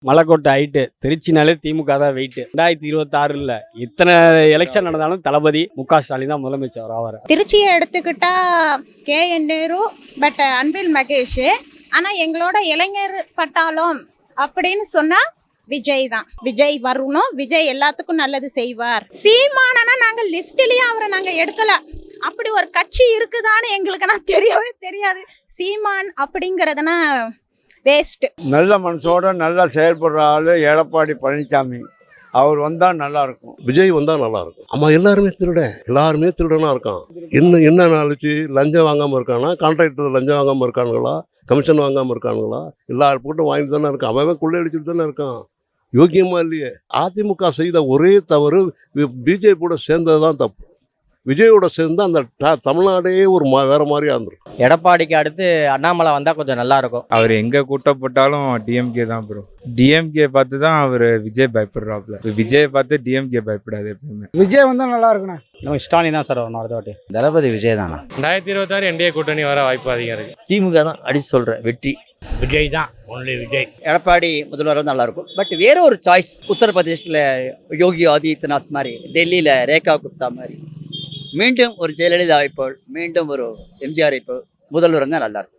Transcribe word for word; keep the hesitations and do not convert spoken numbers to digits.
மலைக்கோட்டை height திருச்சினாலே திமுக தான் weight. ரெண்டாயிரத்தி இருபத்தி ஆறுல இத்தனை எலெக்ஷன் நடந்தாலும் தளபதி மு க ஸ்டாலின் தான் முதலமைச்சர் ஆவார். திருச்சியை எடுத்துக்கிட்டா K N Nehru, but Anbil Mahesh. ஆனால் எங்களோட இளைஞர் பட்டாளம் அப்படின்னு சொன்னா விஜய் தான். விஜய் வரணும், விஜய் எல்லாத்துக்கும் நல்லது செய்வார். சீமானனா நாங்கள் லிஸ்ட்லயே அவரை நாங்கள் எடுக்கல. அப்படி ஒரு கட்சி இருக்குதான்னு எங்களுக்கு நான் தெரியவே தெரியாது. சீமான் அப்படிங்கிறதுனா வேஸ்ட். நல்ல மனசோட நல்லா செயல்படுற ஆளு எடப்பாடி பழனிசாமி. அவர் வந்தால் நல்லா இருக்கும். விஜய் வந்தால் நல்லா இருக்கும். ஆமா, எல்லாருமே திருட எல்லாருமே திருடனா இருக்கான். என்ன என்ன நாளைக்கு லஞ்சம் வாங்காமல் இருக்கானா? கான்ட்ராக்டர் லஞ்சம் வாங்காமல் இருக்கானுங்களா? கமிஷன் வாங்காமல் இருக்கானுங்களா? எல்லாரும் போட்டு வாங்கிட்டு தானே இருக்கான். அவன் கொள்ளையடிச்சுட்டு தானே இருக்கான். யோக்கியமா இல்லையே. அதிமுக செய்த ஒரே தவறு பிஜேபி கூட சேர்ந்தது தான் தப்பு. விஜயோட சேர்ந்து அந்த தமிழ்நாடே ஒரு மா வேற மாதிரியா இருந்திருக்கும். எடப்பாடிக்கு அடுத்து அண்ணாமலை வந்தால் கொஞ்சம் நல்லா இருக்கும். அவர் எங்கே கூட்டப்பட்டாலும் டிஎம்கே தான் ப்ரோ. டிஎம்கே பார்த்து தான் அவர் விஜய் பயப்படுறாப்புல. விஜய் பார்த்து டிஎம்கே பயப்படாது எப்பயுமே. விஜய் வந்தால் நல்லா இருக்குண்ணா. நம்ம ஸ்டாலின் தான் சார் வரணும் அடுத்த வாட்டி. தளபதி விஜய் தானா? ரெண்டாயிரத்தி இருபத்தாறு என்டிஏ கூட்டணி வர வாய்ப்பு அதிகம் இருக்கு. திமுக தான் அடிச்சு சொல்கிறேன், வெற்றி விஜய் தான், ஒன்லி விஜய். எடப்பாடி முதல்வர் நல்லா இருக்கும். பட் வேற ஒரு சாய்ஸ், உத்தரப்பிரதேசத்தில் யோகி ஆதித்யநாத் மாதிரி, டெல்லியில் ரேகா குப்தா மாதிரி, மீண்டும் ஒரு ஜெயலலிதா போல், மீண்டும் ஒரு எம்ஜிஆரை போல் முதல்வர் தான் நல்லா இருக்கும்.